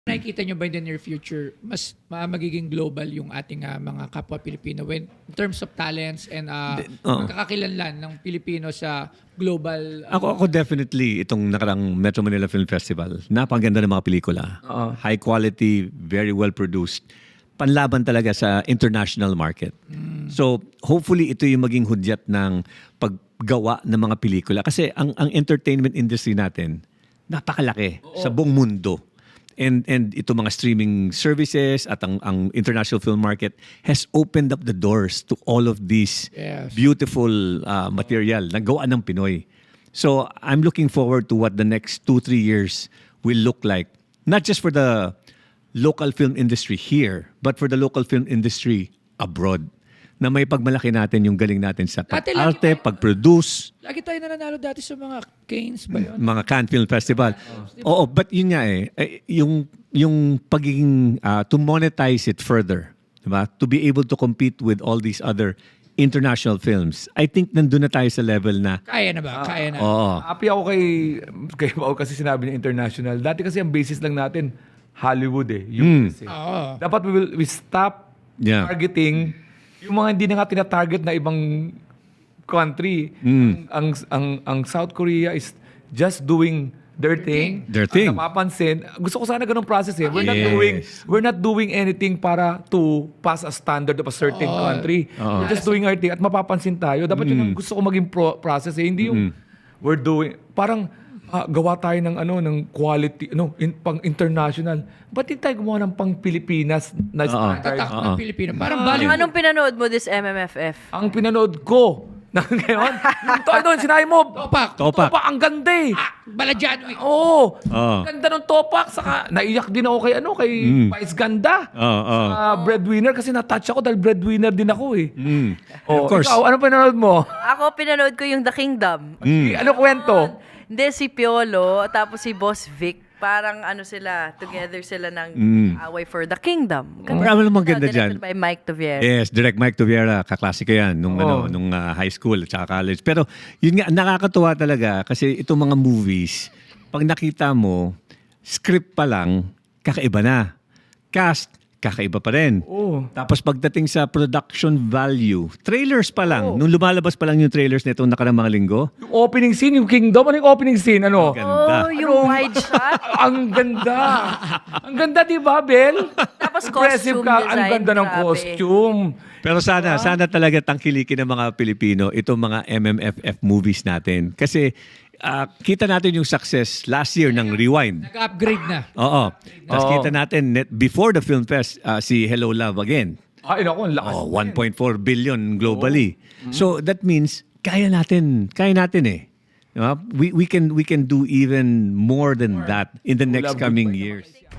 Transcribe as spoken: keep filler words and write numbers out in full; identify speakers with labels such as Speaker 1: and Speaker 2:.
Speaker 1: Nakikita nyo ba in the near future, mas ma- magiging global yung ating ah, mga kapwa Pilipino when, in terms of talents and uh,
Speaker 2: Oo.
Speaker 1: kakakilanlan ng Pilipino sa global... ah,
Speaker 2: Ako, ako definitely itong nakarang Metro Manila Film Festival. Napakaganda ng mga pelikula.
Speaker 3: Oo.
Speaker 2: High quality, very well produced. Panlaban talaga sa international market. So, hopefully ito yung maging hudyat ng paggawa ng mga pelikula. Kasi ang, ang entertainment industry natin, napakalaki sa buong mundo. And and ito mga streaming services at ang, ang international film market has opened up the doors to all of these
Speaker 1: Yes.
Speaker 2: beautiful uh, material na gawa ng Pinoy. So I'm looking forward to what the next two, three years will look like. Not just for the local film industry here, but for the local film industry abroad. Na may pagmalaki natin yung galing natin sa
Speaker 1: Dati lagi
Speaker 2: pag-arte,
Speaker 1: tayo-
Speaker 2: pag-produce,
Speaker 1: Lagi tayo nananalo dati sa mga Canes ba yun?
Speaker 2: mga Cannes Film Festival. Oo, but yun nga eh, eh, yung, yung pagiging, ah, to monetize it further, diba? To be able to compete with all these other international films. I think nandun na tayo sa level na,
Speaker 1: Kaya na ba? Kaya na.
Speaker 2: oo,
Speaker 3: Happy ako kay, kay Pao kasi sinabi niya international. Dati kasi ang basis lang natin, Hollywood eh. U S eh.
Speaker 1: Oo.
Speaker 3: Dapat we, will, we stop
Speaker 2: Yeah.
Speaker 3: targeting yung mga hindi na nga tinatarget na ibang country. Ang, ang, ang, ang South Korea is just doing their thing.
Speaker 2: Their thing.
Speaker 3: Ang napapansin, gusto ko sana ganung process eh. We're not
Speaker 2: Yes.
Speaker 3: doing we're not doing anything para to pass a standard of a certain country. We're just doing our thing at mapapansin tayo. Dapat yun ang gusto ko maging pro- process eh. Hindi yung we're doing parang ah, gawa tayo ng ano ng quality ano in, pang international. Ba't hindi tayo gumawa ng pang Pilipinas na standard?
Speaker 1: Tatak ng Pilipino. Parang
Speaker 4: Anong,
Speaker 1: baliw.
Speaker 4: anong pinanood mo this M M F F?
Speaker 3: Ang pinanood ko na ngayon, yung toy doon, sinabi mo,
Speaker 1: Topak.
Speaker 2: Topak.
Speaker 3: ang ganda eh.
Speaker 1: Ah, Baladyano eh.
Speaker 3: Oo.
Speaker 2: Oo.
Speaker 3: Ang ganda ng topak. Saka naiyak din ako kay ano, kay Pais Ganda.
Speaker 2: Oo, oo.
Speaker 3: Ah, breadwinner kasi na-touch ako dahil breadwinner din ako eh.
Speaker 2: Mm.
Speaker 3: Oh,
Speaker 2: Of course.
Speaker 3: Ikaw, ano pinanood mo?
Speaker 4: Ako, pinanood ko yung The Kingdom.
Speaker 3: Ano kwento?
Speaker 4: Hindi, si Piolo, tapos si Boss Vic. Parang ano sila, together sila ng away for the kingdom.
Speaker 2: Marami namang ganda
Speaker 4: Directed
Speaker 2: dyan.
Speaker 4: by Mike Tovier.
Speaker 2: Yes, direct Mike Toviera, kaklasika yan nung
Speaker 3: Oo.
Speaker 2: ano, nung ah, high school at saka college. Pero yun nga nakakatuwa talaga kasi itong mga movies, pag nakita mo, script pa lang kakaiba na. Cast kakaiba pa rin.
Speaker 3: Oo.
Speaker 2: Tapos pagdating sa production value, trailers pa lang. Nung lumalabas pa lang yung trailers nito nakarang mga linggo,
Speaker 3: Yung opening scene, yung Kingdom, ano yung opening scene? Ano?
Speaker 2: ganda.
Speaker 4: Oh, yung wide shot.
Speaker 3: Ang ganda. Ang ganda, di ba, Bel?
Speaker 4: Tapos
Speaker 3: Impressive
Speaker 4: costume
Speaker 3: ka. Ang
Speaker 4: design,
Speaker 3: ganda ng
Speaker 4: grabe.
Speaker 3: costume.
Speaker 2: Pero sana, sana talaga tangkilikin ng mga Pilipino itong mga M M F F movies natin. Kasi ah, kita natin yung success last year ng Rewind.
Speaker 1: Nag-upgrade na.
Speaker 2: Oo. Tapos
Speaker 3: Oo.
Speaker 2: kita natin, net, before the film fest, ah, si Hello Love Again.
Speaker 3: Ay, naku, ang lakas.
Speaker 2: Oh, one point four billion globally. So that means, kaya natin, kaya natin eh. Diba? We, we, can, we can do even more than that in the next
Speaker 3: Love
Speaker 2: coming
Speaker 3: Goodbye
Speaker 2: years.